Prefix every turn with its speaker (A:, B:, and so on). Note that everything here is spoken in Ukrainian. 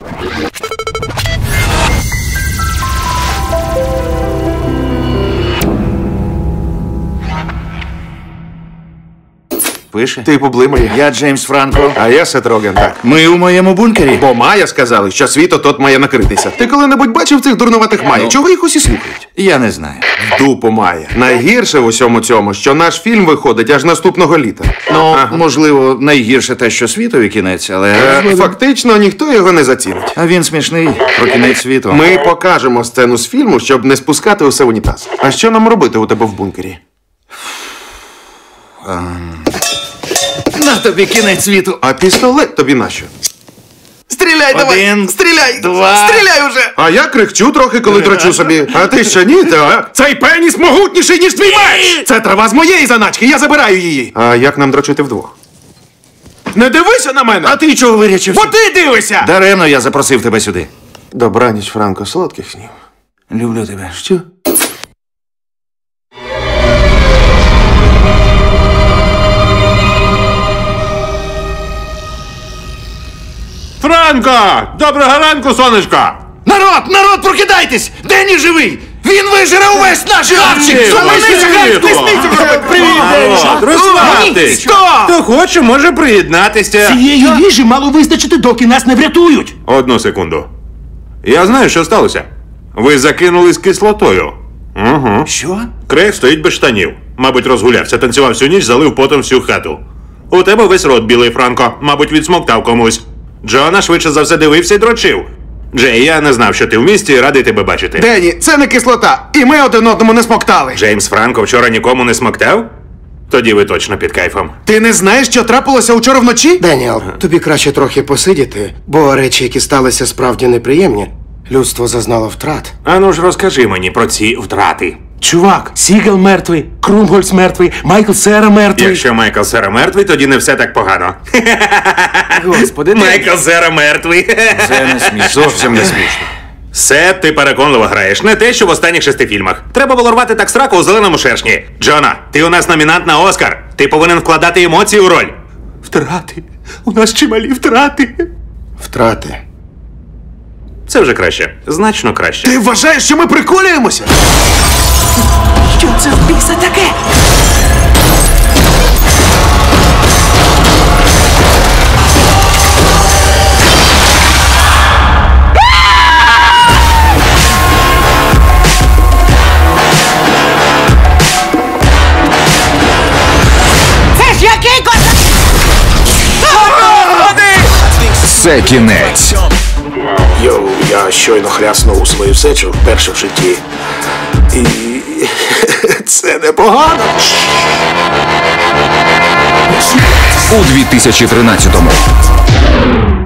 A: Пише?
B: Ти поблимає.
A: Я Джеймс Франко.
B: А я Сет Роген, так.
A: Ми у моєму бункері.
B: Бо Майя сказали, що світ от має накритися. Ти коли-небудь бачив цих дурнуватих Майя? Чого їх усі слухають?
A: Я не знаю.
B: В дупу Майя. Найгірше в усьому цьому, що наш фільм виходить аж наступного літа.
A: Ну, можливо, найгірше те, що світові кінець, але...
B: Фактично, ніхто його не зацінить.
A: А він смішний. Про кінець світу.
B: Ми покажемо сцену з фільму, щоб не спускати усе в унітаз. А що нам робити у тебе в бункері?
A: На тобі кінець світу.
B: А пістолет тобі нащо?
A: Стріляй давай! Стріляй! Стріляй уже!
B: А я крихчу трохи, коли дрочу собі. А ти що, ні? Так. Цей пеніс могутніший, ніж твій меч! Це трава з моєї заначки, я забираю її. А як нам дрочити вдвох? Не дивися на мене!
A: А ти чого вирячився?
B: Бо ти дивишся!
A: Даремно я запросив тебе сюди.
B: Добраніч, Франко, солодких снів.
A: Люблю тебе.
B: Що?
C: Франко! Доброго ранку, сонечко!
A: Народ, прокидайтесь! Дені живий! Він вижере увесь наш хавчик!
C: Розслабтесь! Хто хоче, може приєднатися.
D: Цієї їжі мало вистачити, доки нас не врятують.
C: Одну секунду. Я знаю, що сталося. Ви закинулись кислотою. Угу.
A: Що?
C: Крейг стоїть без штанів. Мабуть, розгулявся, танцював всю ніч, залив потом всю хату. У тебе весь рот білий, Франко. Мабуть, відсмоктав комусь. Джона швидше за все дивився і дрочив. Джей, я не знав, що ти в місті, і радий тебе бачити.
B: Дені, це не кислота, і ми один одному не смоктали.
C: Джеймс Франко вчора нікому не смоктав? Тоді ви точно під кайфом.
B: Ти не знаєш, що трапилося вчора вночі?
E: Деніел, тобі краще трохи посидіти, бо речі, які сталися, справді неприємні. Людство зазнало втрат.
C: Ану ж розкажи мені про ці втрати.
D: Чувак, Сігел мертвий, Крумгольц мертвий, Майкл Сера мертвий.
C: Якщо Майкл Сера мертвий, тоді не все так погано.
A: Господи,
C: Майкл Сера мертвий.
A: це не смішно.
B: Зовсім не смішно.
C: Сет, ти переконливо граєш. Не те, що в останніх 6 фільмах. Треба було рвати так сраку у зеленому шершні. Джона, ти у нас номінант на Оскар. Ти повинен вкладати емоції у роль.
D: Втрати. У нас чималі втрати.
E: Втрати.
C: Це вже краще. Значно краще.
B: Ти вважаєш, що ми приколюємося?
D: Що це в біса таке?
F: Це ж який
G: Це кінець.
E: Йоу, я щойно хряснув свою сечу вперше в житті. І це непогано.
G: У 2013-му.